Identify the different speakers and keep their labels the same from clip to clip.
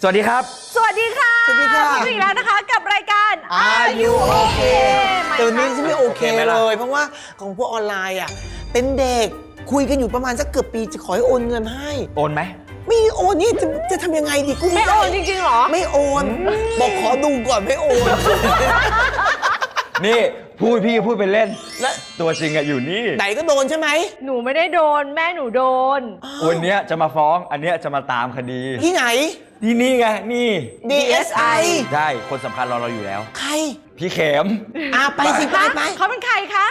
Speaker 1: สวัสดีครับ
Speaker 2: สวัสดีค่ะ
Speaker 3: สวัสดีค่ะ
Speaker 2: พบกันอีกแล้วนะคะกับรายการ
Speaker 3: Are You Okay แต่วันนี้ฉันไม่โอเค
Speaker 1: ไหม
Speaker 3: เล
Speaker 1: ล่ะ
Speaker 3: ย เพราะว่าของพวกออนไลน์อ่ะเป็นเด็กคุยกันอยู่ประมาณสักเกือบปีจะขอให้โอนเงินให้
Speaker 1: โอนไหม
Speaker 3: ไม่โอนนี่จะทำยังไงดีกุ้ง
Speaker 2: ไม่โอนจริงๆหรอ
Speaker 3: ไม่โอน บอกขอดูก่อนไม่โอน
Speaker 1: นี่พี่พูดไปเล่น
Speaker 3: และ
Speaker 1: ตัวจริงอะอยู่นี่
Speaker 3: ไหนก็โดนใช่ไหม
Speaker 2: หนูไม่ได้โดนแม่หนูโดน
Speaker 1: วันเนี้ยจะมาฟ้องอันเนี้ยจะมาตามคดี
Speaker 3: ที่ไหน
Speaker 1: ที่นี่ไงนี่
Speaker 3: DSI
Speaker 1: ใช่คนสำคัญเราอยู่แล้ว
Speaker 3: ใคร
Speaker 1: พี่เข็ม
Speaker 3: ไปสิไป
Speaker 2: เขาเป็นใครคะ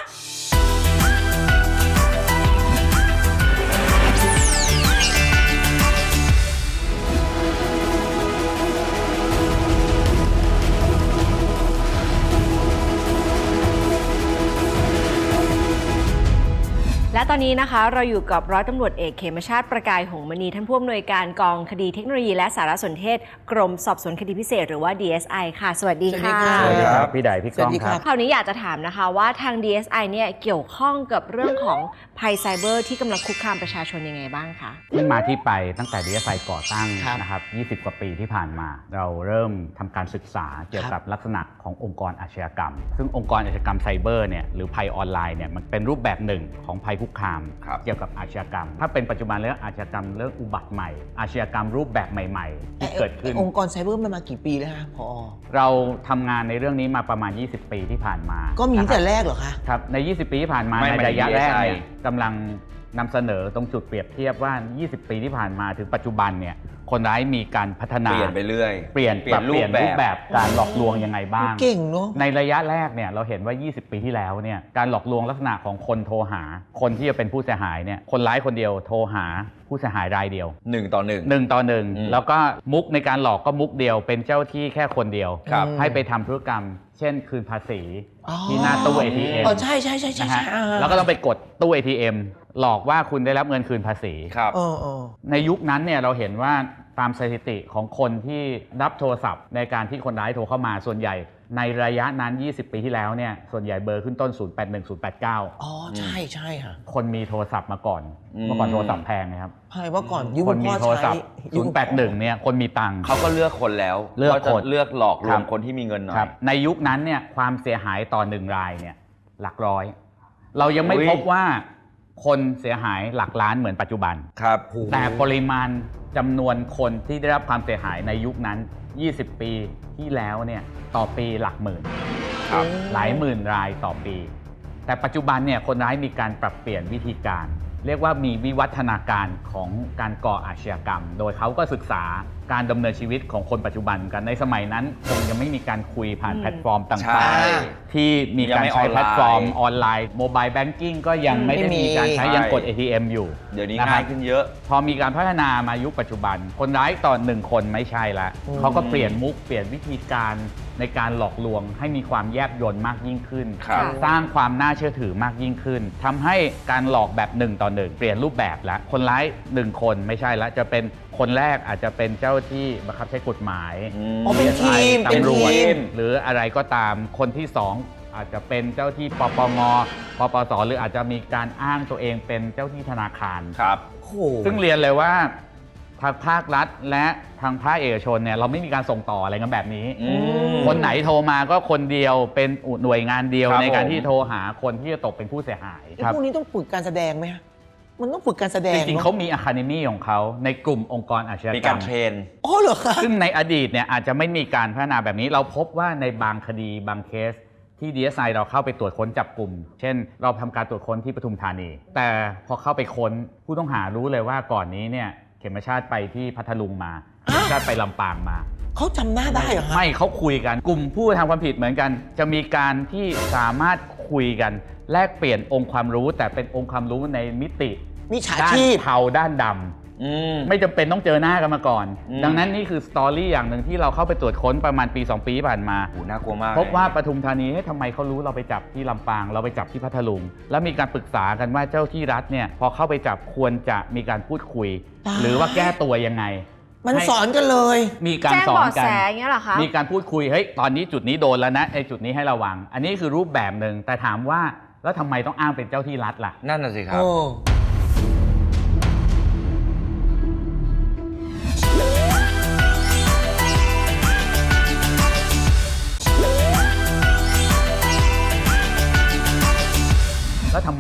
Speaker 2: และตอนนี้นะคะเราอยู่กับร้อยตำรวจเอกเขมชาติประกายหงส์มณีท่านผู้อำนวยการกองคดีเทคโนโลยีและสารสนเทศกรมสอบสวนคดีพิเศษหรือว่า DSI ค่ะสวัสดีค่ะ
Speaker 3: สวัสดีครับ
Speaker 4: พี่ใดพี่ก้องครับ
Speaker 2: คราวนี้อยากจะถามนะคะว่าทาง DSI เนี่ยเกี่ยวข้องกับเรื่องของภัยไซเบอร์ที่กำลังคุกคามประชาชนยังไงบ้างคะ
Speaker 4: ที่มาที่ไปตั้งแต่ DSI ก่อตั้ง
Speaker 3: ครับ
Speaker 4: นะครับ 20 กว่าปีที่ผ่านมา เราเริ่มทำการศึกษาเกี่ยวกับลักษณะขององค์กรอาชญากรรม ซึ่งองค์กรอาชญากรรมไซเบอร์เนี่ยหรือภัยออนไลน์เนี่ยมันเป็นรูปแบบหนึ่งของภัยคุกคาม
Speaker 1: ครับ
Speaker 4: เกี่ยวกับอาชญากรรม ถ้าเป็นปัจจุบันเรื่องอาชญากรรมเรื่องอุบัติใหม่ อาชญากรรมรูปแบบใหม่ๆที่เกิดขึ้น
Speaker 3: องค์กรไซเบอร์มันมากี่ปีแล้วคะพอ
Speaker 4: เราทำงานในเรื่องนี้มาประมาณ 20 ปีที่ผ่านมา
Speaker 3: ก็มีตั้งแต่
Speaker 4: นะครับ
Speaker 3: แรกเหรอคะ
Speaker 4: ครับใน 20 ปีที่ผ่านมา
Speaker 1: ไม่
Speaker 4: ใน
Speaker 1: ไม่
Speaker 4: ระยะแรกเนี่ย
Speaker 1: DSI
Speaker 4: กำลังนำเสนอตรงจุดเปรียบเทียบว่า 20 ปีที่ผ่านมาถึงปัจจุบันเนี่ยคนร้ายมีการพัฒนา
Speaker 1: เปลี่ยนไปเรื่อย
Speaker 4: เปลี่ยนรูปแบบการหลอกลวงยังไงบ้าง
Speaker 3: เก่งเนาะ
Speaker 4: ในระยะแรกเนี่ยเราเห็นว่า 20 ปีที่แล้วเนี่ยการหลอกลวงลักษณะของคนโทรหา คนที่จะเป็นผู้เสียหายเนี่ยคนร้ายคนเดียวโทรหาผู้เสียหายรายเดียว
Speaker 1: 1 ต่อ 1
Speaker 4: 1 ต่อ 1 แล้วก็มุกในการหลอกก็มุกเดียวเป็นเจ้าที่แค่คนเดียว
Speaker 1: ครับ
Speaker 4: ให้ไปทำธุรกรรม เช่นคืนภาษี
Speaker 3: อ๋อ
Speaker 4: ที่หน้าตู้ ATM
Speaker 3: อ๋อใช่
Speaker 4: นะฮะ
Speaker 3: อ่า
Speaker 4: แล้วก็ต้องไปกดตู้ ATM หลอกว่าคุณได้รับเงินคืนภาษี
Speaker 1: ครับ
Speaker 4: ในยุคนั้นเนี่ยเราเห็นว่าตามสถิติของคนที่รับโทรศัพท์ในการที่คนร้ายโทรเข้ามาส่วนใหญ่ในระยะนั้น 20 ปีที่แล้วเนี่ยส่วนใหญ่เบอร์ขึ้นต้น 081 089
Speaker 3: อ๋อใช่ค่ะ
Speaker 4: คนมีโทรศัพท์มาก่อน
Speaker 1: อืม
Speaker 4: เมื่อก่อนโทรศัพท์แพงนะครับ
Speaker 3: ใช่ว่าก่อนยุค
Speaker 4: คนมี
Speaker 3: พ่อ
Speaker 4: โทรศัพ
Speaker 3: ใช้
Speaker 4: ท์ 081 เนี่ยคนมีตังค์
Speaker 1: เขาก็เลือกคนแล้ว
Speaker 4: เลือกคน
Speaker 1: ขาจะเลือกหลอกล
Speaker 4: คว รั
Speaker 1: ง
Speaker 4: บ
Speaker 1: คนที่มีเงินหน่อ
Speaker 4: ครั
Speaker 1: ย
Speaker 4: บในยุคนั้นเนี่ยความเสียหายต่อ1รายเนี่ยหลักร้อย เรายังไม่
Speaker 1: อุ๊ย
Speaker 4: พบว่าคนเสียหายหลักล้านเหมือนปัจจุบัน
Speaker 1: ครับ
Speaker 4: แต่ปริมาณจำนวนคนที่ได้รับความเสียหายในยุคนั้น 20 ปีที่แล้วเนี่ยต่อปีหลักหมื่น
Speaker 1: ครับ
Speaker 4: หลายหมื่นรายต่อปี แต่ปัจจุบันเนี่ยคนร้ายมีการปรับเปลี่ยนวิธีการ เรียกว่ามีวิวัฒนาการของการก่ออาชญากรรม โดยเขาก็ศึกษาการดำเนินชีวิตของคนปัจจุบันกันในสมัยนั้นคงยังไม่มีการคุยผ่านแพลตฟอร์มต่
Speaker 1: ใช่
Speaker 4: างๆ ที่มีการใช้แพลตฟอร์มออนไลน์โมบายแบงกิ้งก็ยังไม่ได้มีการใช้ยังกด ATM อยู่
Speaker 1: เดี๋ยวนี้
Speaker 4: ะครับ
Speaker 1: ง่ายขึ้นเยอะ
Speaker 4: พอมีการพัฒนามายุคปัจจุบัน คนร้ายต่อ1คนไม่ใช่ละเขาก็เปลี่ยนมุกเปลี่ยนวิธีการในการหลอกลวงให้มีความแยบยลมากยิ่งขึ้น
Speaker 1: ครับ
Speaker 4: สร้างความน่าเชื่อถือมากยิ่งขึ้นทำให้การหลอกแบบ1 ต่อ 1 เปลี่ยนรูปแบบแล้วคนร้าย1 คนไม่ใช่ละจะเป็นคนแรกอาจจะเป็นเจ้าที่บังคับใช้กฎหมาย
Speaker 3: อ๋อเป็นทีม
Speaker 4: ตำรวจ
Speaker 3: เป็นทีม
Speaker 4: หรืออะไรก็ตามคนที่ 2 อาจจะเป็นเจ้าที่ปปงปปสหรืออาจจะมีการอ้างตัวเองเป็นเจ้าที่ธนาคาร
Speaker 1: ครับ
Speaker 3: โอ้โห
Speaker 4: ซึ่งเรียนเลยว่าทางภาครัฐและทางภาคเอกชนเนี่ยเราไม่มีการส่งต่ออะไรกันแบบนี้ คนไหนโทรมาก็คนเดียวเป็นหน่วยงานเดียว
Speaker 1: ครับ
Speaker 4: ในการ
Speaker 1: ผม
Speaker 4: ที่โทรหาคนที่จะตกเป็นผู้เสียหาย
Speaker 3: พวกนี้ต้องฝึกการแสดงไหมฮะมันต้องฝึกการแสดง
Speaker 4: จริงๆ
Speaker 3: นอะ
Speaker 4: เขามีอะคาเดมี่ของเขาในกลุ่มองค์กรอาชญา
Speaker 1: มี
Speaker 4: กร
Speaker 1: การ
Speaker 4: รม
Speaker 1: เทรน
Speaker 3: อ๋อเหรอคะ
Speaker 4: ซึ่งในอดีตเนี่ยอาจจะไม่มีการพัฒนาแบบนี้ เราพบว่าในบางคดีบางเคสที่ DSI เราเข้าไปตรวจค้นจับกลุ่ม เช่น เราทำการตรวจค้นที่ปทุมธานี แต่พอเข้าไปค้นผู้ต้องหารู้เลยว่าก่อนนี้เนี่ยเขมชาติไปที่พัทลุงมาเขมชาติไปลำปางมา
Speaker 3: เขาจำหน้าได้เหรอฮะ
Speaker 4: ไม่เขาคุยกันกลุ่มผู้กระทำความผิดเหมือนกัน จะมีการที่สามารถคุยกันแลกเปลี่ยนองค์ความรู้ แต่เป็นองค์ความรู้ในมิติ
Speaker 3: มิจฉา
Speaker 4: ด้าน
Speaker 3: ชีพ
Speaker 4: เทาด้านดำไม่จำเป็นต้องเจอหน้ากันมาก่อน ดังนั้นนี่คือสตอรี่อย่างหนึ่งที่เราเข้าไปตรวจค้นประมาณปี 2 ปีที่ผ่านมา
Speaker 1: โหน่ากลัวมาก
Speaker 4: พบว่าปทุมธานีทำไมเขารู้เราไปจับที่ลำปาง เราไปจับที่พัทลุง แล้วมีการปรึกษากันว่าเจ้าที่รัฐเนี่ยพอเข้าไปจับควรจะมีการพูดคุย หรือว่าแก้ตัวยังไง
Speaker 3: มันสอนกันเลย
Speaker 4: มีการ
Speaker 2: แจ้ง
Speaker 4: สอ
Speaker 2: เบาะ
Speaker 4: นกั
Speaker 2: แส
Speaker 4: น
Speaker 2: อย่างเงี้ยเหรอคะ
Speaker 4: มีการพูดคุย เฮ้ย ตอนนี้จุดนี้โดนแล้วนะไอ้จุดนี้ให้ระวัง อันนี้คือรูปแบบหนึ่ง แต่ถามว่าแล้วทำไมต้องอ้างเป็นเจ้าที่รัฐล่ะ
Speaker 1: นั่นน่ะสิครับ
Speaker 3: โอ้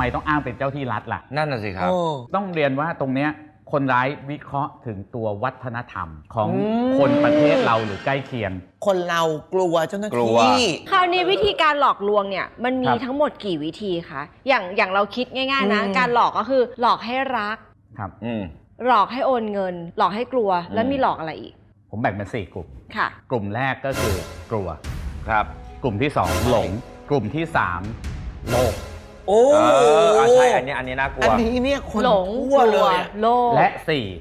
Speaker 4: มต้องอ้างเป็นเจ้าที่รัฐล่ะ
Speaker 1: นั่นน่ะสิครับ
Speaker 3: โอ้
Speaker 4: ต้องเรียนว่าตรงเนี้ยคนร้ายวิเคราะห์ถึงตัววัฒนธรรมของคนประเทศเราหรือใกล้เคียง
Speaker 3: คนเรากลัวเจ้าหน้าก
Speaker 1: ลัว
Speaker 3: ที่
Speaker 2: คราวนี้วิธีการหลอกลวงเนี่ยมันมี
Speaker 4: ครับ
Speaker 2: ทั้งหมดกี่วิธีคะอย่างเราคิดง่ายๆนะ
Speaker 3: อืม
Speaker 2: การหลอกก็คือหลอกให้รัก
Speaker 4: ครับ
Speaker 1: อืม
Speaker 2: หลอกให้โอนเงิน หลอกให้กลัว แล้วมีหลอกอะไรอีก
Speaker 4: ผมแบ่งเป็น4กลุ่ม
Speaker 2: ค่ะ
Speaker 4: กลุ่มแรกก็คือกลัว
Speaker 1: ครับ
Speaker 4: กลุ่มที่2หลง กลุ่มที่3โลภ
Speaker 3: โอ้
Speaker 1: ใช่อันนี้น่ากลัว
Speaker 3: อันนี้เนี่ยคน
Speaker 2: หลง
Speaker 3: ทั่ว
Speaker 2: ก
Speaker 3: เล
Speaker 2: ลัวย โลภ
Speaker 4: และ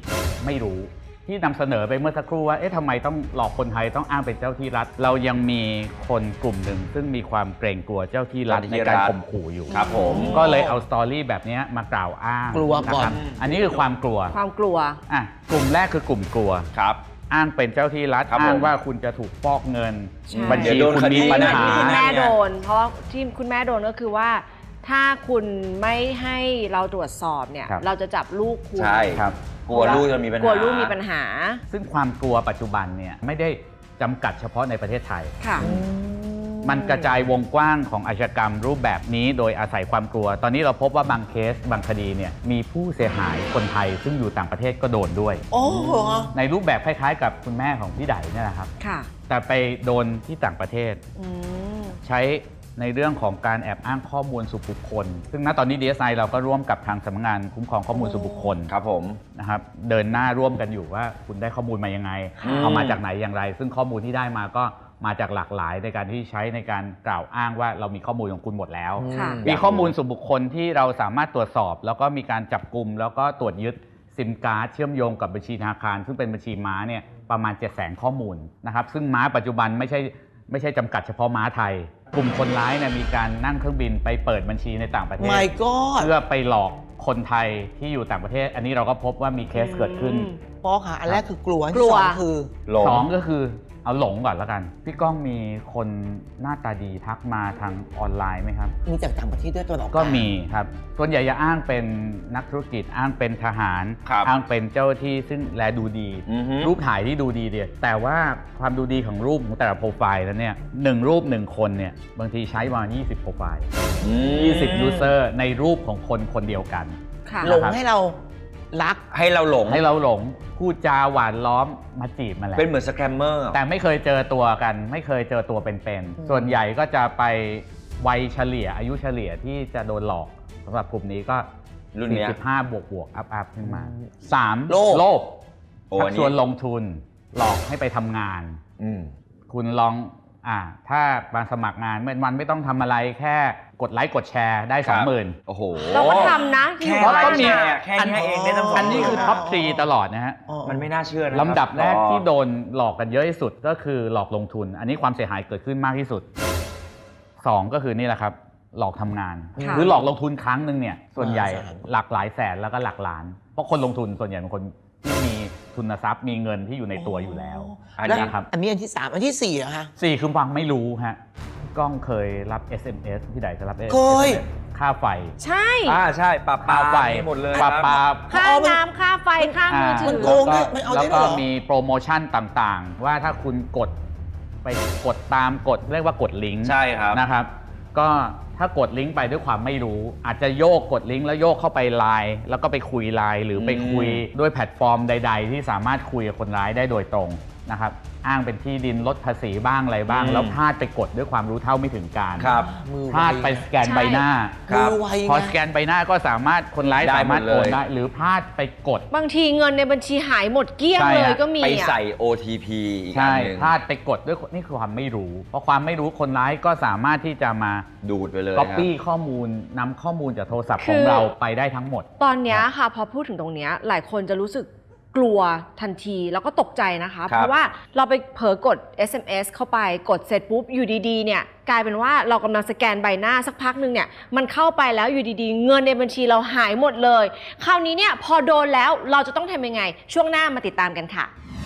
Speaker 4: 4ไม่รู้ที่นำเสนอไปเมื่อสักครู่ว่าเอ๊ะทำไมต้องหลอกคนไทยต้องอ้างเป็นเจ้าที่รัฐ เรายังมีคนกลุ่มหนึ่งซึ่งมีความเกรงกลัวเจ้าที่รัฐในการข่มขู่อยู่
Speaker 1: ครับผม
Speaker 4: ก็เลยเอาสตอรี่แบบนี้มากล่าวอ้าง
Speaker 3: กลัวก่อน
Speaker 4: นะครับอันนี้คือความกลัว
Speaker 2: ความกลัว
Speaker 4: อ่ะกลุ่มแรกคือกลุ่มกลัว
Speaker 1: ครับ
Speaker 4: อ้างเป็นเจ้าที่รัฐ
Speaker 1: ครับผม
Speaker 4: อ้างว่าคุณจะถูกฟอกเงิน
Speaker 2: ใช่
Speaker 4: บัญชี
Speaker 1: เดี๋ยวโดน
Speaker 4: คุณ
Speaker 1: คดี
Speaker 4: มีปัญหา
Speaker 2: ที่คุณแม่
Speaker 1: เนี่ย
Speaker 2: โดน เพราะว่าที่คุณแม่โดนก็คือว่า ถ้าคุณไม่ให้เราตรวจสอบเนี่ย
Speaker 4: ครับ
Speaker 2: เราจะจับลูกคุณ
Speaker 1: ใช่
Speaker 4: ครับ
Speaker 1: กลัวลูกจะมีปัญหาก
Speaker 2: ลัวลูกมีปัญหา
Speaker 4: ซึ่งความกลัวปัจจุบันเนี่ยไม่ได้จำกัดเฉพาะในประเทศไทย
Speaker 2: ค่ะ
Speaker 4: มันกระจายวงกว้างของอาชญากรรมรูปแบบนี้โดยอาศัยความกลัว ตอนนี้เราพบว่าบางเคสบางคดีเนี่ยมีผู้เสียหายคนไทย ซึ่งอยู่ต่างประเทศก็โดนด้วย
Speaker 3: โอ้โห
Speaker 4: ในรูปแบบคล้ายๆ กับคุณแม่ของพี่ไดเนี่ยนะครับ
Speaker 2: ค่ะ
Speaker 4: แต่ไปโดนที่ต่างประเทศ
Speaker 2: อืม
Speaker 4: ใช้ในเรื่องของการแอบอ้างข้อมูลส่วนบุคคล ซึ่งณตอนนี้ DSI เราก็ร่วมกับทางสำนักงานคุ้มครองข้อมูลส่วนบุคคล
Speaker 1: ครับผม
Speaker 4: นะครับเดินหน้าร่วมกันอยู่ว่าคุณได้ข้อมูลมายังไง
Speaker 1: อืม
Speaker 4: เอามาจากไหนอย่างไร ซึ่งข้อมูลที่ได้มาก็มาจากหลากหลายในการที่ใช้ในการกล่าวอ้างว่าเรามีข้อมูลของคุณหมดแล้ว
Speaker 2: ค่ะ
Speaker 4: มีข้อมูลส่วนบุคคลที่เราสามารถตรวจสอบ แล้วก็มีการจับกลุ่มแล้วก็ตรวจยึดซิมการ์ดเชื่อมโยงกับบัญชีธนาคาร ซึ่งเป็นบัญชีม้าเนี่ยประมาณ 700,000 ข้อมูลนะครับซึ่งม้าปัจจุบันไม่ใช่จำกัดเฉพาะม้าไทย กลุ่มคนร้ายเนี่ยมีการนั่งเครื่องบินไปเปิดบัญชีในต่างประเทศ
Speaker 3: My God
Speaker 4: เพื่อไปหลอกคนไทยที่อยู่ต่างประเทศ อันนี้เราก็พบว่ามีเคสเกิดขึ้น
Speaker 3: พ่อค่ะ อันแรกคือกลัวอัน
Speaker 2: กลั
Speaker 3: ที่
Speaker 2: ว
Speaker 3: สองคือ
Speaker 1: หลง
Speaker 4: สองก็คือเอาหลงก่อนแล้วกัน พี่ก้องมีคนหน้าตาดีทักมาทางออนไลน์ไหมครับ
Speaker 3: มีจากต่างประเทศด้วยตัวหลอก
Speaker 4: ก็มีครับ ส่วนใหญ่จะอ้างเป็นนักธุรกิจ อ้างเป็นทหาร
Speaker 1: ครับ
Speaker 4: อ้างเป็นเจ้าที่ซึ่งแลดูดี
Speaker 1: อือฮึ
Speaker 4: รูปถ่ายที่ดูดีเดียแต่ว่าความดูดีของรูปของแต่ละโปรไฟล์แล้วเนี่ย1รูป 1 คนเนี่ยบางทีใช้มา20 โปรไฟล์ 20 ยูเซอร์ในรูปของคนคนเดียวกัน
Speaker 2: ค่ะ
Speaker 3: หลงให้เรารัก
Speaker 1: ให้เราหลง
Speaker 4: ให้เราหลงพูดจาหวานล้อมมาจีบมาแล้ว
Speaker 1: เป็นเหมือนสแกมเมอร์
Speaker 4: แต่ไม่เคยเจอตัวกัน ไม่เคยเจอตัวเป็นๆ ส่วนใหญ่ก็จะไปวัยเฉลี่ยอายุเฉลี่ยที่จะโดนหลอกสำหรับกลุ่มนี้ก็
Speaker 1: รุ่นเนี้ย
Speaker 4: 45 บวกอัพขึ้นมา 3
Speaker 3: โลภ
Speaker 4: โลภ
Speaker 1: โอ้
Speaker 4: ชั
Speaker 1: อั
Speaker 4: ก
Speaker 1: น
Speaker 4: ช
Speaker 1: นี้
Speaker 4: วนลงทุนหลอกให้ไปทำงาน
Speaker 1: อืม
Speaker 4: คุณลองถ้ามาสมัครงานวันไม่ต้องทำอะไรแค่กดไลค์กดแชร์ได้
Speaker 1: ครับ
Speaker 4: 20,000
Speaker 1: โอ้โห
Speaker 2: เราก็ทำนะ
Speaker 1: แค่
Speaker 2: อยู่
Speaker 1: ไล
Speaker 2: บ้าน
Speaker 1: ค์แช
Speaker 2: นะ
Speaker 1: ร์แค่นี้เองได้ตั้ง
Speaker 4: อันนี้คือ
Speaker 1: 20,000
Speaker 4: ท็อป3ตลอดนะฮะ
Speaker 1: มันไม่น่าเชื่อนะ
Speaker 4: ลำดับแรก
Speaker 1: ครับ
Speaker 4: ที่โดนหลอกกันเยอะที่สุดก็คือหลอกลงทุน อันนี้ความเสียหายเกิดขึ้นมากที่สุด 2 ก็คือนี่แหละครับ หลอกทำงาน
Speaker 2: ค่ะ
Speaker 4: หรือหลอกลงทุนครั้งหนึ่งเนี่ยส่วนใหญ่
Speaker 3: แสน
Speaker 4: หลักหลายแสนแล้วก็หลักล้าน เพราะคนลงทุนส่วนใหญ่เป็นคนที่มีทุนทรัพย์มีเงินที่อยู่ในตัวอยู่แล้ว
Speaker 1: อัน
Speaker 3: แล้ว
Speaker 1: นี้
Speaker 4: นะครับ
Speaker 3: อันนี้อันที่สามอันที่สี่เหรอคะ
Speaker 4: 4คือฟังไม่รู้ฮะกล้องเคยรับ SMS ที่ไหนจะรับ SMS
Speaker 3: เคย
Speaker 4: ค่าไฟ
Speaker 2: ใช่
Speaker 1: ใช่ปลา
Speaker 4: ค่าไฟ
Speaker 1: หมดเลย
Speaker 4: ปลา
Speaker 1: ครับ
Speaker 4: ปลา
Speaker 2: ค่าน้ำค่าไฟค่ามือถื
Speaker 3: มัน
Speaker 2: อ
Speaker 3: โกงด้วยมันเอาได้
Speaker 4: แล้ว
Speaker 3: ด้วย
Speaker 4: ก็
Speaker 3: เหรอ
Speaker 4: มีโปรโมชั่นต่างๆ ว่าถ้าคุณกดไปกดตามกดเรียกว่ากดลิงก์
Speaker 1: ใช่ครับ
Speaker 4: นะครับ ก็ถ้ากดลิงก์ไปด้วยความไม่รู้ อาจจะโยกกดลิงก์แล้วโยกเข้าไปไลน์แล้วก็ไปคุยไลน์หรือไปคุยด้วยแพลตฟอร์มใด ๆ ที่สามารถคุยกับคนร้ายได้โดยตรงนะครับอ้างเป็นที่ดินลดภาษีบ้างอะไรบ้าง แล้วพลาดไปกดด้วยความรู้เท่าไม่ถึงการ
Speaker 1: ครับ
Speaker 3: มือ
Speaker 4: พลาดไปสแกนใบหน้า
Speaker 1: ครับ
Speaker 3: มือไว
Speaker 4: พอ
Speaker 3: ไง
Speaker 4: สแกนใบหน้าก็สามารถคนร้าย
Speaker 1: ได้
Speaker 4: สามารถ
Speaker 1: หมดเลย
Speaker 4: โอนได้หรือพลาดไปกด
Speaker 2: บางทีเงินในบัญชีหายหมดเกลี้ยง
Speaker 4: ใช่
Speaker 2: เลย
Speaker 4: ฮะ
Speaker 2: ก็มี
Speaker 1: ไป
Speaker 2: อ่ะ
Speaker 1: ใส่ OTP อีกอั
Speaker 4: ใช่
Speaker 1: นหนึ่ง
Speaker 4: พลาดไปกดด้วยนี่คือความไม่รู้เพราะความไม่รู้คนร้ายก็สามารถที่จะมา
Speaker 1: ดูดไปเลย
Speaker 4: copy ข้อมูลนำข้อมูลจากโทรศัพท์
Speaker 2: คื
Speaker 4: ของ
Speaker 2: อ
Speaker 4: เราไปได้ทั้งหมด
Speaker 2: ตอนเนี้ยค่ะพอพูดถึงตรงเนี้ยหลายคนจะรู้สึกกลัวทันทีแล้วก็ตกใจนะคะ
Speaker 1: ครับ
Speaker 2: เพราะว่าเราไปเผลอกด SMS เข้าไปกดเสร็จปุ๊บอยู่ดีๆเนี่ยกลายเป็นว่าเรากำลังสแกนใบหน้าสักพักหนึ่งเนี่ยมันเข้าไปแล้วอยู่ดีๆ เงินในบัญชีเราหายหมดเลย คราวนี้เนี่ยพอโดนแล้วเราจะต้องทำยังไง ช่วงหน้ามาติดตามกันค่ะ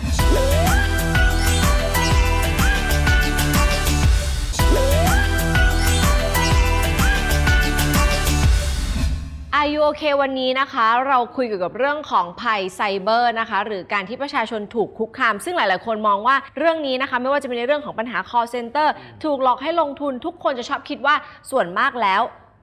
Speaker 2: Are you okay วันนี้นะคะเราคุยเกี่ยวกับเรื่องของภัยไซเบอร์นะคะหรือการที่ประชาชนถูกคุกคามซึ่งหลายๆคนมองว่าเรื่องนี้นะคะไม่ว่าจะเป็นในเรื่องของปัญหา call center ถูกหลอกให้ลงทุนทุกคนจะชอบคิดว่าส่วนมากแล้ว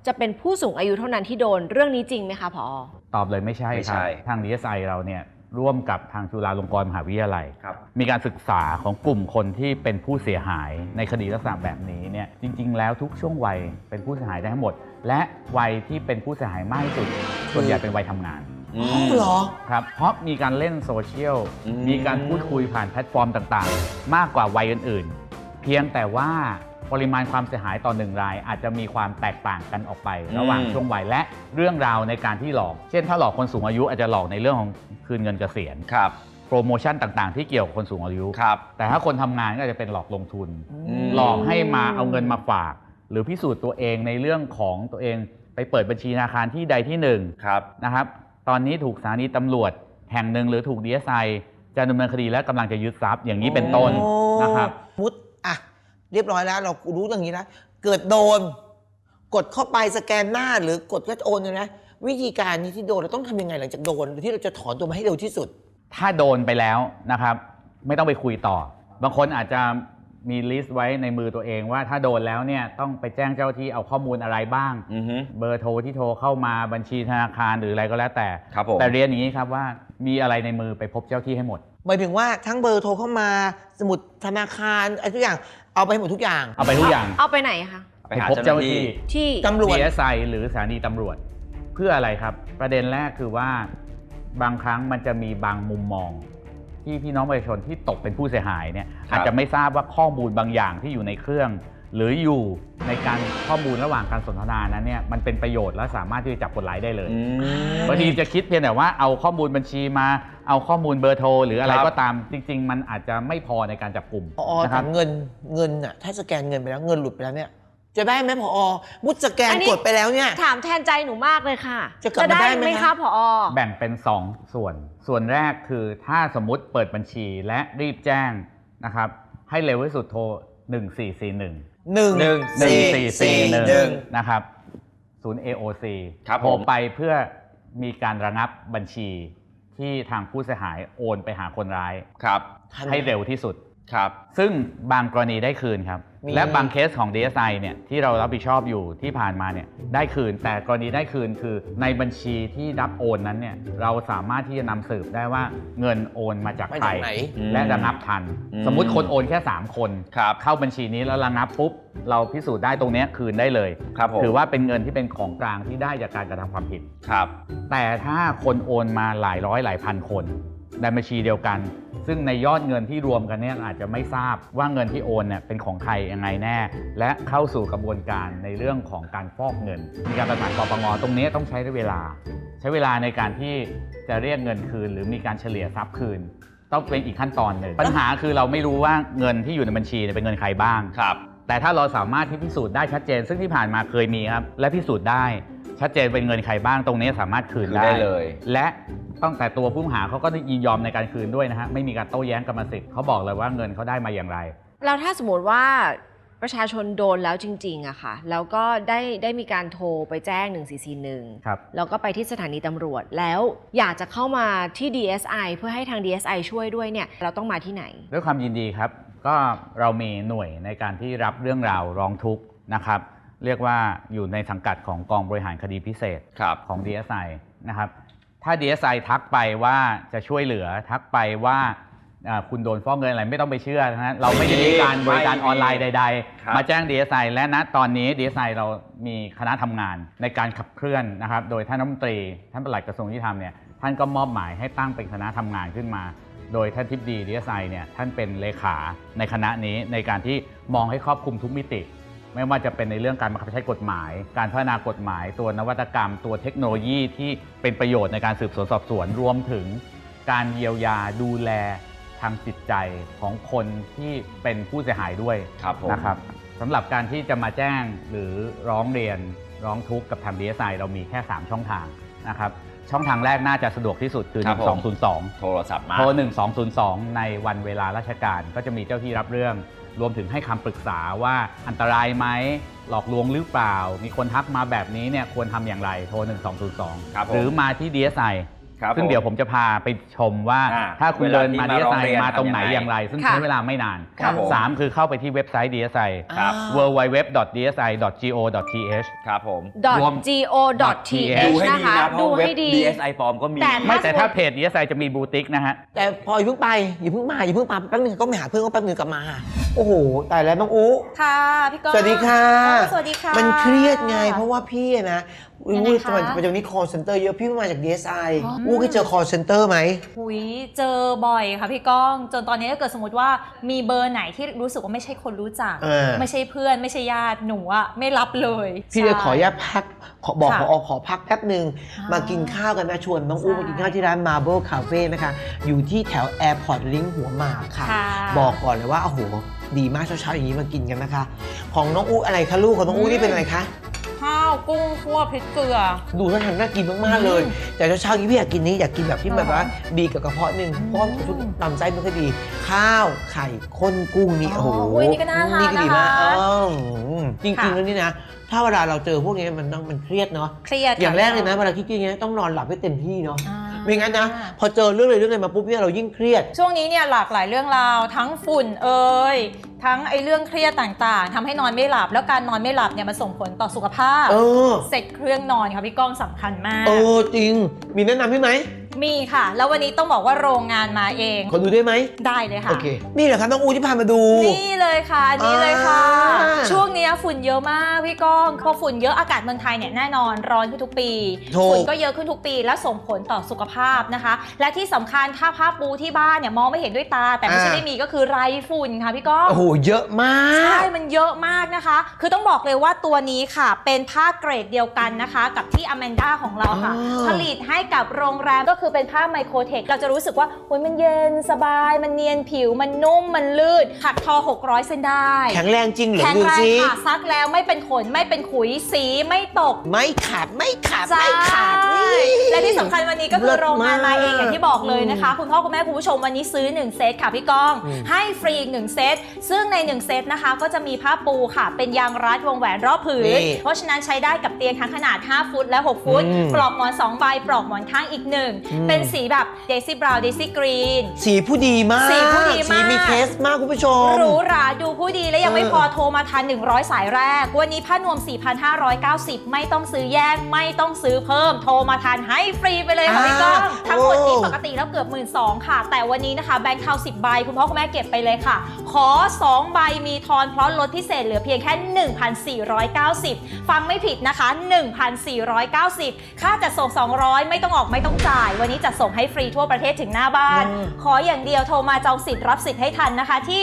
Speaker 2: จะเป็นผู้สูงอายุเท่านั้นที่โดนเรื่องนี้จริงไหมคะผอ.
Speaker 4: ตอบเลยไม่ใช่
Speaker 1: ไม่
Speaker 4: ครั
Speaker 1: ใช่
Speaker 4: บทาง DSI เราเนี่ยร่วมกับทางจุฬาลงกรณ์มหาวิทยาลัย
Speaker 1: ครับ
Speaker 4: มีการศึกษาของกลุ่มคนที่เป็นผู้เสียหายในคดีลักษณะแบบนี้เนี่ยจริงๆแล้วทุกช่วงวัยเป็นผู้เสียหายได้ทั้งหมด และวัยที่เป็นผู้เสียหายมากที่สุดส่วนใหญ่เป็นวัยทำงาน
Speaker 1: อื
Speaker 3: อ๋อ
Speaker 1: ม
Speaker 3: เหรอ
Speaker 4: ครับเพราะมีการเล่นโซเชียล
Speaker 1: อืม
Speaker 4: มีการพูดคุยผ่านแพลตฟอร์มต่างๆ มากกว่าวัยอื่นๆ เพียงแต่ว่าปริมาณความเสียหายต่อหนึ่งรายอาจจะมีความแตกต่างกันออกไป ระหว่างช่วงวัยและเรื่องราวในการที่หลอก เช่นถ้าหลอกคนสูงอายุอาจจะหลอกในเรื่องของคืนเงินเกษียณ
Speaker 1: ครับ
Speaker 4: โปรโมชั่นต่างๆ ที่เกี่ยวกับคนสูงอายุ
Speaker 1: ครับ
Speaker 4: แต่ถ้าคนทำงานก็อาจจะเป็นหลอกลงทุน
Speaker 1: ม
Speaker 4: หลอกให้มาเอาเงินมาฝาก หรือพิสูจน์ตัวเองในเรื่องของตัวเองไปเปิดบัญชีธนาคารที่ใดที่หนึ่ง
Speaker 1: ครับ
Speaker 4: นะครับตอนนี้ถูกสถานีตำรวจแห่งหนึ่งหรือถูก DSI จะดำเนินคดีและกำลังจะยึดทรัพย์อย่างนี้เป็นต้นนะครับ
Speaker 3: มุดอ่ะเรียบร้อยแล้วเรารู้อย่างนี้แล้วเกิดโดน กดเข้าไปสแกนหน้าหรือกดก็โอนเลยนะวิธีการนี้ที่โดนเราต้องทำยังไงหลังจากโดนที่เราจะถอนตัวมาให้เร็วที่สุด
Speaker 4: ถ้าโดนไปแล้วนะครับไม่ต้องไปคุยต่อ บางคนอาจจะมีลิสต์ไว้ในมือตัวเองว่าถ้าโดนแล้วเนี่ยต้องไปแจ้งเจ้าหน้าที่เอาข้อมูลอะไรบ้าง
Speaker 1: อือฮึ
Speaker 4: เบอร์โทรที่โทรเข้ามาบัญชีธนาคารหรืออะไรก็แล้วแต่
Speaker 1: ครับผม
Speaker 4: แต่เรียนอย่างนี้ครับว่ามีอะไรในมือไปพบเจ้าที่ให้หมด
Speaker 3: หมายถึงว่าทั้งเบอร์โทรเข้ามาสมุดธนาคารอะไรทุกอย่างเอาไปให้หมดทุกอย่าง
Speaker 4: เอาไปทุกอย่าง
Speaker 2: เอาไปไหนคะ
Speaker 1: ไปหา
Speaker 4: พบ
Speaker 1: เจ้าห
Speaker 4: เจ้าห
Speaker 1: น้า
Speaker 4: น้า
Speaker 1: ที่
Speaker 4: ที่
Speaker 2: ที่
Speaker 3: ตำรวจ
Speaker 4: DSI หรือสถานีตำรวจ เพื่ออะไรครับ ประเด็นแรกคือว่าบางครั้งมันจะมีบางมุมมอง ที่พี่น้องประชาชนที่ตกเป็นผู้เสียหายเนี่ย
Speaker 1: ครับ
Speaker 4: อาจจะไม่ทราบว่าข้อมูลบางอย่างที่อยู่ในเครื่อง หรืออยู่ในการข้อมูลระหว่างการสนทนานั้นเนี่ยมันเป็นประโยชน์และสามารถที่จะจับคนร้ายได้เลย
Speaker 1: อืม
Speaker 4: บางทีจะคิดเพียงแต่ว่าเอาข้อมูลบัญชีมาเอาข้อมูลเบอร์โทรหรืออะไร
Speaker 1: ครับ
Speaker 4: ก็ตามจริง ๆ มันอาจจะไม่พอในการจับกลุ่ม
Speaker 3: พอ
Speaker 4: นะค
Speaker 3: ถา
Speaker 4: รับ
Speaker 3: มเงินน่ะถ้าสแกนเงินไปแล้วเงินหลุดไปแล้วเนี่ยจะได้ไหมพอมุดสแกน
Speaker 2: อันนี้
Speaker 3: กดไปแล้วเนี่ย
Speaker 2: ถามแทนใจหนูมากเลยค่ะ
Speaker 3: จะกลับมาได้ไหม
Speaker 2: คะผอ.
Speaker 4: แบ่งเป็น 2 ส่วน ส่วนแรกคือถ้าสมมุติเปิดบัญชีและรีบแจ้งนะครับให้เร็วที่สุดโทร 1441
Speaker 3: 1441
Speaker 4: นะครับศูนย์ AOC
Speaker 1: ครับ
Speaker 4: โทร
Speaker 1: ผม
Speaker 4: ไปเพื่อมีการระงับบัญชีที่ทางผู้เสียหายโอนไปหาคนร้าย
Speaker 1: ครับ
Speaker 4: ให้เร็วที่สุด
Speaker 1: ครับ
Speaker 4: ซึ่งบางกรณีได้คืนครับ
Speaker 3: มี
Speaker 4: และบางเคสของ DSI เนี่ยที่เรารับผิดชอบอยู่ที่ผ่านมาเนี่ยได้คืน แต่กรณีได้คืนคือในบัญชีที่รับโอนนั้นเนี่ยเราสามารถที่จะนำสืบได้ว่าเงินโอนมาจาก
Speaker 3: มา
Speaker 4: ใคร
Speaker 3: จากไหน
Speaker 4: และระงับทัน
Speaker 1: อืม
Speaker 4: สมมุติคนโอนแค่ 3 คน
Speaker 1: ครับ
Speaker 4: เข้าบัญชีนี้แล้วระงับปุ๊บเราพิสูจน์ได้ตรงเนี้ยคืนได้เลย
Speaker 1: ครับผม
Speaker 4: ถือว่าเป็นเงินที่เป็นของกลางที่ได้จากการกระทำความผิด
Speaker 1: ครับ
Speaker 4: แต่ถ้าคนโอนมาหลายร้อยหลายพันคนในบัญชีเดียวกัน ซึ่งในยอดเงินที่รวมกันเนี่ยอาจจะไม่ทราบว่าเงินที่โอนเนี่ยเป็นของใครยังไงแน่ และเข้าสู่กระบวนการในเรื่องของการฟอกเงิน มีการประสานปปงตรงนี้ต้องใช้เวลา ใช้เวลาในการที่จะเรียกเงินคืน หรือมีการเฉลี่ยทรัพย์คืน ต้องเป็นอีกขั้นตอนหนึ่งปัญหาคือเราไม่รู้ว่าเงินที่อยู่ในบัญชีเนี่ยเป็นเงินใครบ้าง
Speaker 1: ครับ
Speaker 4: แต่ถ้าเราสามารถที่พิสูจน์ได้ชัดเจน ซึ่งที่ผ่านมาเคยมีครับและพิสูจน์ได้ชัดเจนเป็นเงินใครบ้างตรงนี้สามารถคืน
Speaker 1: คืนได้เลย
Speaker 4: และตั้งแต่ตัวผู้ต้องหาเขาก็ยินยอมในการคืนด้วยนะฮะไม่มีการโต้แย้งกรรมสิทธิ์เขาบอกเลยว่าเงินเขาได้มาอย่างไร
Speaker 2: แล้วถ้าสมมติว่าประชาชนโดนแล้วจริงๆอะค่ะแล้วก็ได้มีการโทรไปแจ้ง 1441
Speaker 4: ครับ
Speaker 2: แล้วก็ไปที่สถานีตำรวจแล้วอยากจะเข้ามาที่ DSI เพื่อให้ทาง DSI ช่วยด้วยเนี่ยเราต้องมาที่ไหน
Speaker 4: ด้วยความยินดีครับ ก็เรามีหน่วยในการที่รับเรื่องราวร้องทุกข์นะครับ เรียกว่าอยู่ในสังกัดของกองบริหารคดีพิเศษ
Speaker 1: ครับ
Speaker 4: ของ DSI นะครับ ถ้า DSI ทักไปว่าจะช่วยเหลือทักไปว่าคุณโดนฟ้องเงินอะไรไม่ต้องไปเชื่อนะฮะเราไม่ได้มีการบริการออนไลน์ใด
Speaker 1: ครับ
Speaker 4: ๆ มาแจ้ง DSI และณตอนนี้ DSI เรามีคณะทำงานในการขับเคลื่อนนะครับโดยท่านรัฐมนตรีท่านปลัดกระทรวงยุติธรรมเนี่ยท่านก็มอบหมายให้ตั้งเป็นคณะทำงานขึ้นมา โดยท่านทิบดี DSI เนี่ยท่านเป็นเลขาในคณะนี้ในการที่มองให้ครอบคลุมทุกมิติ ไม่ว่าจะเป็นในเรื่องการบังคับใช้กฎหมาย การพัฒนากฎหมาย ตัวนวัตกรรม ตัวเทคโนโลยีที่เป็นประโยชน์ในการสืบสวนสอบสวนรวมถึงการเยียวยาดูแลทางจิตใจของคนที่เป็นผู้เสียหายด้วย
Speaker 1: ครับผม
Speaker 4: นะครับสำหรับการที่จะมาแจ้งหรือร้องเรียนร้องทุกข์กับทาง DSI เรามีแค่ 3 ช่องทางนะครับช่องทางแรกน่าจะสะดวกที่สุดคือ
Speaker 1: ครับผม
Speaker 4: 1202
Speaker 1: โทรศัพท์มา
Speaker 4: โทร 1202 ในวันเวลาราชการก็จะมีเจ้าที่รับเรื่อง รวมถึงให้คำปรึกษาว่าอันตรายไหมหลอกลวงหรือเปล่า มีคนทักมาแบบนี้เนี่ยควรทำอย่างไรโทร 1202
Speaker 1: ครับผม
Speaker 4: หรือมาที่ DSI
Speaker 1: ครับ
Speaker 4: ซึ่งเดี๋ยวผมจะพาไปชมว่า ถ้าคุณเดินมา DSI มาตรงไหนอย่างไร ซึ่ง
Speaker 2: ค่ะ
Speaker 4: ใช้เวลาไม่นาน
Speaker 1: ครับผม
Speaker 4: 3 คือเข้าไปที่เว็บไซต์ DSI
Speaker 1: ครับ
Speaker 4: www.dsi.go.th
Speaker 1: ครับผม
Speaker 4: รวม
Speaker 2: .go.th
Speaker 1: ดูให้
Speaker 2: นะ
Speaker 1: ดี
Speaker 2: คะ
Speaker 1: นะเพ
Speaker 2: ดู
Speaker 1: ราะเว็บ
Speaker 2: ให้ดี
Speaker 1: DSI ปลอมก็มี
Speaker 2: แต่
Speaker 4: ไม่แต่ถ้าเพจ DSI จะมีบูติกนะฮะ
Speaker 3: แต่พออย่าเพิ่งไปอย่าเพิ่งมาแป๊บนึงก็ไปหาเพื่อนก็แป๊บนึงกลับมา โอ้โหตายแล้วน้องอุ๊
Speaker 5: ค่ะพี่ก้อง
Speaker 3: สวัสดีค่ะ
Speaker 5: สวัสดีค่ะ
Speaker 3: มันเครียดไงเพราะว่าพี่อะนะ
Speaker 5: ยังไง
Speaker 3: อู้
Speaker 5: คะ
Speaker 3: ปัจจุบันนี้ call center เยอะพี่เพิ่งมาจาก DSI
Speaker 5: อ๋อ
Speaker 3: อู้เคยเจอ call center ไหม
Speaker 5: หุยเจอบ่อยค่ะพี่ก้อง จนตอนนี้ถ้าเกิดสมมติว่ามีเบอร์ไหนที่รู้สึกว่าไม่ใช่คนรู้จัก ไม่ใช่เพื่อนไม่ใช่ญาติหนูอะไม่รับเลย
Speaker 3: พี่เลยขออนุญาตพักบอก
Speaker 5: ค่ะ
Speaker 3: ขอพักแป๊บหนึ่ง
Speaker 5: อ่าม
Speaker 3: มากินข้าวกันนะชวนน้องอู้
Speaker 5: ใช่
Speaker 3: มากินข้าวที่ร้าน Marble Cafe นะคะ อยู่ที่แถว Airport Link หัวหมากค่ะ
Speaker 5: ค่ะ
Speaker 3: บอกก่อนเลยว่าโอ้โหดีมากเช้าๆอย่างนี้มากินกันนะคะ ของน้องอู้อะไรคะลูกของน้องอู้นี่เป็นอะไรคะ
Speaker 5: ข้าวกุ้งคั่วพริกเกลือ
Speaker 3: ดูท่าทางน่ากินมากๆเลย แต่เช้าๆนี้พี่อยากกินนี้อยากกินแบบที่แบบว่าบีกับกระเพาะหนึ่งเพราะว่าชุดลำไส้ไม่ค่อยดี ข้าวไข่ข้นกุ้งนี่
Speaker 5: อ๋อ
Speaker 3: โอ้โห
Speaker 5: อุ้ยนี่ก็น่าทาน
Speaker 3: ก็ดีมาก
Speaker 5: นะคะ
Speaker 3: จริงๆแล้วนี่นะ ถ้าเวลาเราเจอพวกนี้มันเครียดเนาะ
Speaker 5: เครียด
Speaker 3: อย่างแรกเลยนะ
Speaker 5: ค่
Speaker 3: เวลาคิดอย่างเงี้ยต้องนอนหลับให้เต็มที่เนาะ
Speaker 5: อ่า
Speaker 3: ไม่งั้นนะพอเจอเรื่องอะไรมาปุ๊บเนี่ยเรายิ่งเครียด
Speaker 5: ช่วงนี้เนี่ยหลากหลายเรื่องราวทั้งฝุ่นทั้งไอ้เรื่องเครียดต่างๆทำให้นอนไม่หลับ แล้วการนอนไม่หลับเนี่ยมันส่งผลต่อสุขภาพ เสร็จเครื่องนอนค่ะพี่ก้องสำคัญมาก
Speaker 3: จริงมีแนะนำให้ไหม
Speaker 5: มีค่ะ แล้ววันนี้ต้องบอกว่าโรงงานมาเอง
Speaker 3: ขอดูได้ไหม
Speaker 5: ได้เลยค่ะ
Speaker 3: โอเคนี่แหละครับน้องอูที่พามาดู
Speaker 5: นี่เลยค่ะอันนี้เลยค่ะ
Speaker 3: อ่า
Speaker 5: ช่วงเนี้ยฝุ่นเยอะมากพี่ก้องพอฝุ่นเยอะอากาศเมืองไทยเนี่ยแน่นอนร้อนขึ้นทุกปี
Speaker 3: ถูก
Speaker 5: ฝุ่นก็เยอะขึ้นทุกปีและส่งผลต่อสุขภาพนะคะ และที่สำคัญถ้าผ้าปูที่บ้านเนี่ยมองไม่เห็นด้วยตา แต่ไม่ใช่ไม่มีก็คือไรฝุ่นค่ะพี่ก้อง
Speaker 3: โอ้โหเยอะมาก
Speaker 5: ใช่มันเยอะมากนะคะ คือต้องบอกเลยว่าตัวนี้ค่ะเป็นผ้าเกรดเดียวกันนะคะ กับที่อแมนด้าของเราค่ะ
Speaker 3: อ๋อ
Speaker 5: ผลิตให้กับโรงแรมก็คือเป็นผ้าไมโครเทคเราจะรู้สึกว่าโอ้ยมันเย็นสบาย มันเนียนผิวมันนุ่มมันลื่นถักทอ 600 เส้นได้
Speaker 3: แข็งแรงจริงเหรอ
Speaker 5: แข็ง
Speaker 3: ดู
Speaker 5: แรง
Speaker 3: สิ
Speaker 5: ค่ะซักแล้วไม่เป็นขนไม่เป็นขุยสีไม่ตก
Speaker 3: ไม่ขาดไม่ขาด
Speaker 5: ใช่
Speaker 3: ไม่ขาดนี่
Speaker 5: และที่สำคัญวันนี้ก็คือโรงงานมาเอง
Speaker 3: เลิศมาก
Speaker 5: อย่างที่บอกเลยนะคะ คุณพ่อคุณแม่คุณผู้ชมวันนี้ซื้อ1เซตค่ะพี่ก้อง ให้ฟรีอีก1เซตซึ่งใน1เซตนะคะก็จะมีผ้าปูค่ะ เป็นยางรัดวงแหวนรอบผืน
Speaker 3: นี่
Speaker 5: เพราะฉะนั้นใช้ได้กับเตียงทั้งขนาด5ฟุตและ6ฟุต ปลอกหมอน2ใบปลอกหมอนข้างอีก1เป็นสีแบบเดซี่บราวน์เดซี่กรีน
Speaker 3: สีผู้ดีมาก
Speaker 5: สีผู้ดีมาก
Speaker 3: สีมีเทสมากคุณผู้ชม
Speaker 5: หรูหราดูผู้ดีและยังไม่พอโทรมาทัน100 สายแรก วันนี้ผ้านวม 4,590 ไม่ต้องซื้อแยกไม่ต้องซื้อเพิ่ม โทรมาทันให้ฟรีไปเลยค่ะพี่ก้อง ทั้งหมดนี้ปกติแล้วเกือบ 12,000 ค่ะ แต่วันนี้นะคะแบงค์เทา10 ใบ คุณพ่อคุณแม่เก็บไปเลยค่ะ ขอ 2 ใบมีทอนเพราะลดพิเศษเหลือเพียงแค่ 1,490 ฟังไม่ผิดนะคะ 1,490 ค่าจัดส่ง 200 ไม่ต้องออกไม่ต้องจ่าย วันนี้จัดส่งให้ฟรีทั่วประเทศถึงหน้าบ้าน ขออย่างเดียวโทรมาจองสิทธิ์รับสิทธิ์ให้ทันนะคะที่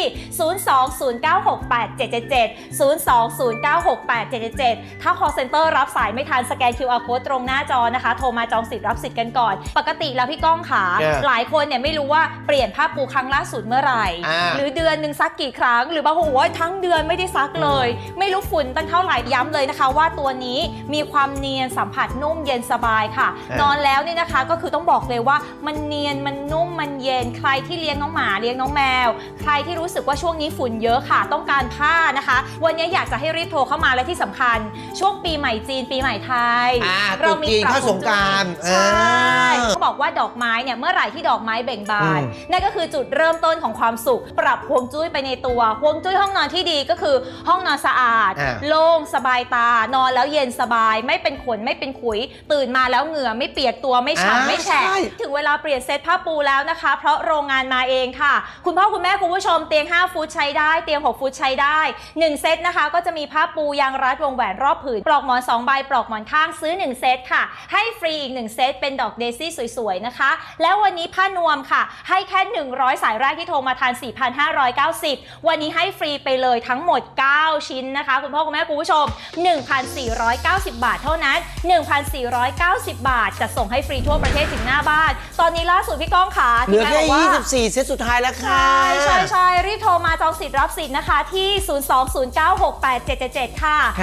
Speaker 5: 020968777 020968777 ถ้า call center รับสายไม่ทันสแกน QR code ตรงหน้าจอนะคะ โทรมาจองสิทธิ์รับสิทธิ์กันก่อน ปกติแล้วพี่ก้องขา หลายคนเนี่ยไม่รู้ว่าเปลี่ยนผ้าปูครั้งล่าสุดเมื่อไหร่ หรือเดือนหนึ่งซักกี่ครั้ง หรือบางคนบอกว่าทั้งเดือนไม่ได้ซักเลย ไม่รู้ฝุ่นตั้งเท่าไหร่ย้ำเลยนะคะ ว่าตัวนี้มีความเนียนสัมผัสนุ่มเย็นสบายค่ะ นอนแล้วนี่นะคะก็คือต้องบอกเลยว่ามันเนียนมันนุ่มมันเย็นใครที่เลี้ยงน้องหมาเลี้ยงน้องแมว ใครที่รู้สึกว่าช่วงนี้ฝุ่นเยอะค่ะต้องการผ้านะคะ วันนี้อยากจะให้รีบโทรเข้ามาและที่สำคัญ ช่วงปีใหม่จีนปีใหม่ไทย
Speaker 3: ตรุษจีนเข้าสงกรานต์
Speaker 5: ใช่เขาบอกว่าดอกไม้เนี่ยเมื่อไหร่ที่ดอกไม้เบ่งบานนั่นก็คือจุดเริ่มต้นของความสุข ปรับฮวงจุ้ยไปในตัวฮวงจุ้ยห้องนอนที่ดีก็คือห้องนอนสะอาด โล่งสบายตานอนแล้วเย็นสบายไม่เป็นขนไม่เป็นขุย ตื่นมาแล้วเหงื่อไม่เปียกตัวไม่ฉ่ำไม่แฉะถึงเวลาเปลี่ยนเซตผ้าปูแล้วนะคะ เพราะโรงงานมาเองค่ะ คุณพ่อคุณแม่คุณผู้ชมเตียง5ฟุตใช้ได้เตียง6ฟุตใช้ได้1เซตนะคะก็จะมีผ้าปูยางรัดวงแหวนรอบผืนปลอกหมอน2ใบปลอกหมอนข้างซื้อ1เซตค่ะให้ฟรีอีก1เซตเป็นดอกเดซี่สวยๆนะคะแล้ววันนี้ผ้านวมค่ะให้แค่100สายแรกที่โทรมาทาน 4,590 วันนี้ให้ฟรีไปเลยทั้งหมด9ชิ้นนะคะคุณพ่อคุณแม่คุณผู้ชม 1,490 บาทเท่านั้น 1,490 บาทจะส่งให้ฟรีทั่วประเทศถึงหน้าบ้านตอนนี้ล่าสุดพี่ก้องขา
Speaker 3: เหลือแค่
Speaker 5: ที่แม่บอกว่า
Speaker 3: 24 เซตสุดท้ายแล้วค่ะ
Speaker 5: ใช่รีบโทรมาจององสิทธิ์รับสิทธิ์นะคะที่ 020968777 ค่ะ
Speaker 3: ค่ะ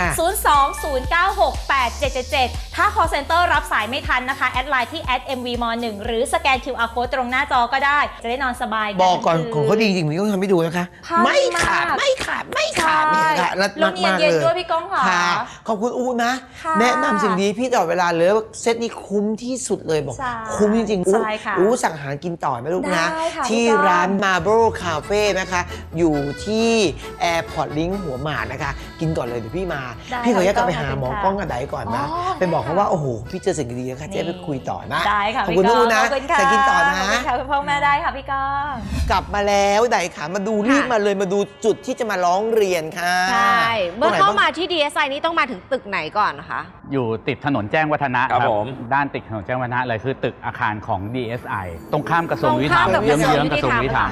Speaker 5: 020968777 ถ้า call center รับสายไม่ทันนะคะ แอดไลน์ที่ @mvm1 หรือสแกน QR code ตรงหน้าจอก็ได้ จะได้นอนสบาย
Speaker 3: บอกก่อน
Speaker 5: ทั้งคื
Speaker 3: ของเขาดีจริงๆผมต้องทำให้ดูนะคะ
Speaker 5: ผ้า
Speaker 3: ไม่ขาด
Speaker 5: มาก
Speaker 3: ไม่ขาดไม่ขาดเนี่ยค่ะรัด
Speaker 5: แล้วเนียน
Speaker 3: มาก
Speaker 5: เย็น
Speaker 3: เลย
Speaker 5: ด้วยพี่ก้องค่ะ
Speaker 3: ค่ะขอบคุณอูนะ
Speaker 5: ค่ะ
Speaker 3: แนะนำสิ่งดีพี่ตลอดเวลาเลยว่าเซตนี้คุ้มที่สุดเลยบอก
Speaker 5: ใช่
Speaker 3: คุ้มจริงๆอู
Speaker 5: ใช่ค่ะ
Speaker 3: อูสั่งอาหารกินต่อไหมลูกนะ
Speaker 5: ได้ค่ะ
Speaker 3: ที่
Speaker 5: พี่ก้อง
Speaker 3: ร้าน Marble Cafe นะคะ อยู่ที่ Airport Link หัวหมากนะคะ กินก่อนเลยเดี๋ยวพี่มา
Speaker 5: ได้
Speaker 3: พี่ขออนุญาตกลับไป
Speaker 5: ค่ะ
Speaker 3: หาหมอ
Speaker 5: ค่ะ
Speaker 3: กล้องกันไดก่อนนะ
Speaker 5: อ๋อ
Speaker 3: ไปบอกเขาว่าโอ้โหพี่เจอสิ่งดีๆนะคะเจ๊ไปคุยต่อนะ
Speaker 5: ได้ค่ะ
Speaker 3: ขอบ
Speaker 5: พี่
Speaker 3: คุณ
Speaker 5: ก้
Speaker 3: อู
Speaker 5: อง
Speaker 3: นะ
Speaker 5: ขอบคุณค่ะ
Speaker 3: แต่กินต่อนะ
Speaker 5: ขอบคุณค่ะคุณพ่อแม่ได้ค่ะพี่ก้อง
Speaker 3: กลับมาแล้วไดขามาดูรีบมาเลยมาดูจุดที่จะมาร้องเรียนค่ะ
Speaker 2: ใช่ เมื่อ
Speaker 3: ตรงไหน
Speaker 2: เข้า
Speaker 3: บ้าง
Speaker 2: มาที่ DSI นี่ต้องมาถึงตึกไหนก่อนนะคะ
Speaker 4: อยู่ติดถนนแจ้งวัฒนะครับ
Speaker 1: ผม
Speaker 4: ด้านติดถนนแจ้งวัฒนะเลยคือตึกอาคารของ DSI ตรงข้ามกระทรวงยุติธรรม
Speaker 2: ตรงข้ามกับ
Speaker 4: เยื้องๆกระทรวงยุติธรรม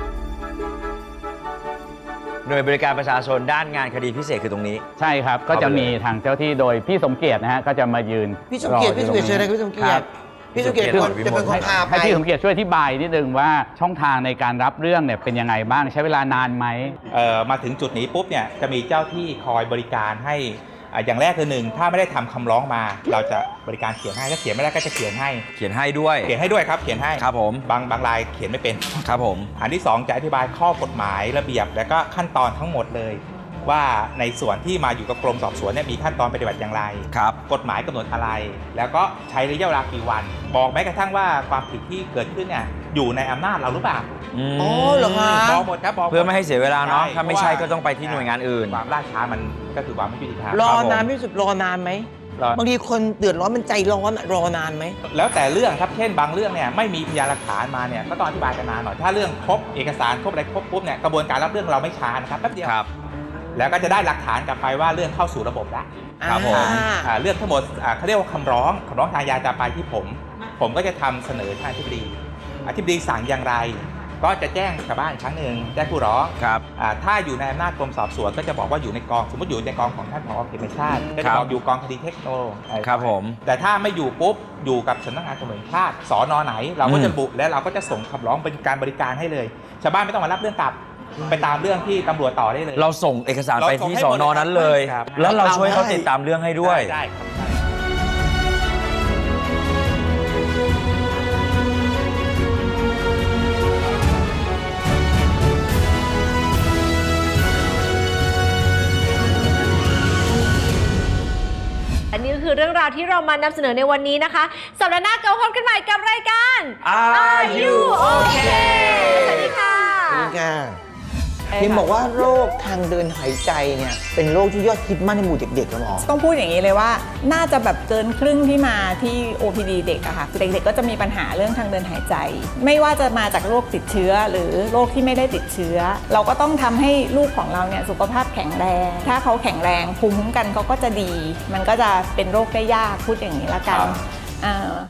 Speaker 1: หน่วยบริการประชาชนด้านงานคดีพิเศษคือตรงนี้
Speaker 4: ใช่ครับ ก็จะมีทางเจ้าที่โดยพี่สมเกียรตินะฮะก็จะมายืน
Speaker 3: พี่สมเกียรติ
Speaker 4: อ
Speaker 3: พี่สมเกียรติเชิญเลยพี่สมเกียรติพี่สมเกียรติ
Speaker 1: พี่
Speaker 3: ค
Speaker 1: ส
Speaker 3: น
Speaker 1: มเกียรติ
Speaker 3: จะเป็นคนพาไป
Speaker 4: ให้พี่สมเกียรติช่วยอธิบายนิดนึงว่าช่องทางในการรับเรื่องเนี่ยเป็นยังไงบ้างใช้เวลานานไหม
Speaker 6: มาถึงจุดนี้ปุ๊บเนี่ยจะมีเจ้าที่คอยบริการให้อย่างแรกคือหนึ่งถ้าไม่ได้ทำคำร้องมา เราจะบริการเขียนให้ถ้าเขียนไม่ได้ก็จะเขียนให้
Speaker 1: เขียนให้ด้วย
Speaker 6: เขียนให้ด้วยครับเขียนให้
Speaker 1: ครับผม
Speaker 6: บางรายเขียนไม่เป็น
Speaker 1: ครับผม
Speaker 6: อันที่ 2 จะอธิบายข้อกฎหมายระเบียบ และก็ขั้นตอนทั้งหมดเลย ว่าในส่วนที่มาอยู่กับกรมสอบสวนเนี่ยมีขั้นตอนปฏิบัติอย่างไร
Speaker 1: ครับ
Speaker 6: กฎหมายกำหนดอะไร แล้วก็ใช้ระยะเวลากี่วัน บอกแม้กระทั่งว่าความผิดที่เกิดขึ้นเนี่ยอยู่ในอำนาจเราหรือเปล่า
Speaker 3: อ๋อเหรอคะ
Speaker 6: บอกหมดครับบอกหด
Speaker 1: เพื่อไม่ให้เสียเวลาเนาะ
Speaker 6: ใช่
Speaker 1: ถ้าไม่ใช่ก็ต้องไปที่หน่วยงานอื่น
Speaker 6: ความล่าช้ามันก็คือความไม่ยุติธรรม
Speaker 3: รอ
Speaker 6: ครับผม
Speaker 3: นานไม่สุดรอนานไหม
Speaker 6: รอ
Speaker 3: บางทีคนเดือดร้อนมันใจร้อนอะรอนานไหม
Speaker 6: แล้วแต่เรื่องครับ เช่นบางเรื่องเนี่ยไม่มีพยานหลักฐานมาเนี่ยก็ต้องอธิบายกันนานหน่อย ถ้าเรื่องครบเอกสารครบอะไรครบปุ๊บเนี่ยกระบวนการรับเรื่องเราไม่ช้านะครับแป๊บเดียว
Speaker 1: ครับ
Speaker 6: แล้วก็จะได้หลักฐานกลับไปว่าเรื่องเข้าสู่ระบบแล้ว
Speaker 1: ครับผม
Speaker 6: เรื่องทั้งหมดเขาเรียกว่าคำร้องทางอาญาจะไปที่ผมก็จะทำเสนอทางอธิบดีสั่งอย่างไร ก็จะแจ้งชาวบ้านอีกครั้งหนึ่งแจ้งผู้ร้อง
Speaker 1: ครับ
Speaker 6: ถ้าอยู่ในอำนาจกรมสอบสวนก็จะบอกว่าอยู่ในกองสมมติอยู่ในกองของท่านผอ.เขตชาติก็จะบอกอยู่กองคดีเทคโนโลยี
Speaker 1: ครับผม
Speaker 6: แต่ถ้าไม่อยู่ปุ๊บอยู่กับสำนักงานตำรวจแห่งชาติสน.ไหน เราก็จะบุและเราก็จะส่งคำร้องเป็นการบริการให้เลย ชาวบ้านไม่ต้องมารับเรื่องกลับไปตามเรื่องที่ตำรวจต่อได้เลย
Speaker 1: เราส่งเอกสารไปที่สอนอนั้นเลย
Speaker 6: ครับ
Speaker 1: แล้วเราช่วยเขาติดตามเรื่องให้ด้วย
Speaker 6: ได้ครับ
Speaker 2: อันนี้ก็คือเรื่องราวที่เรามานำเสนอในวันนี้นะคะ สัปดาห์หน้ากลับมาพบกันใหม่กับรายการ
Speaker 1: Are You Okay
Speaker 2: สวัสดีค่ะ
Speaker 3: นี่ค่ะพิมบอกว่าโรคทางเดินหายใจเนี่ยเป็นโรคที่ยอดฮิตมากในหมู่เด็กๆนะหมอ
Speaker 7: ต้องพูดอย่างนี้เลยว่าน่าจะแบบเกินครึ่งที่มาที่ OPD เด็กอะค่ะเด็กๆก็จะมีปัญหาเรื่องทางเดินหายใจ ไม่ว่าจะมาจากโรคติดเชื้อหรือโรคที่ไม่ได้ติดเชื้อ เราก็ต้องทำให้ลูกของเราเนี่ยสุขภาพแข็งแรง ถ้าเขาแข็งแรงภูมิคุ้มกันเขาก็จะดี มันก็จะเป็นโรคได้ยากพูดอย่างนี้ละกัน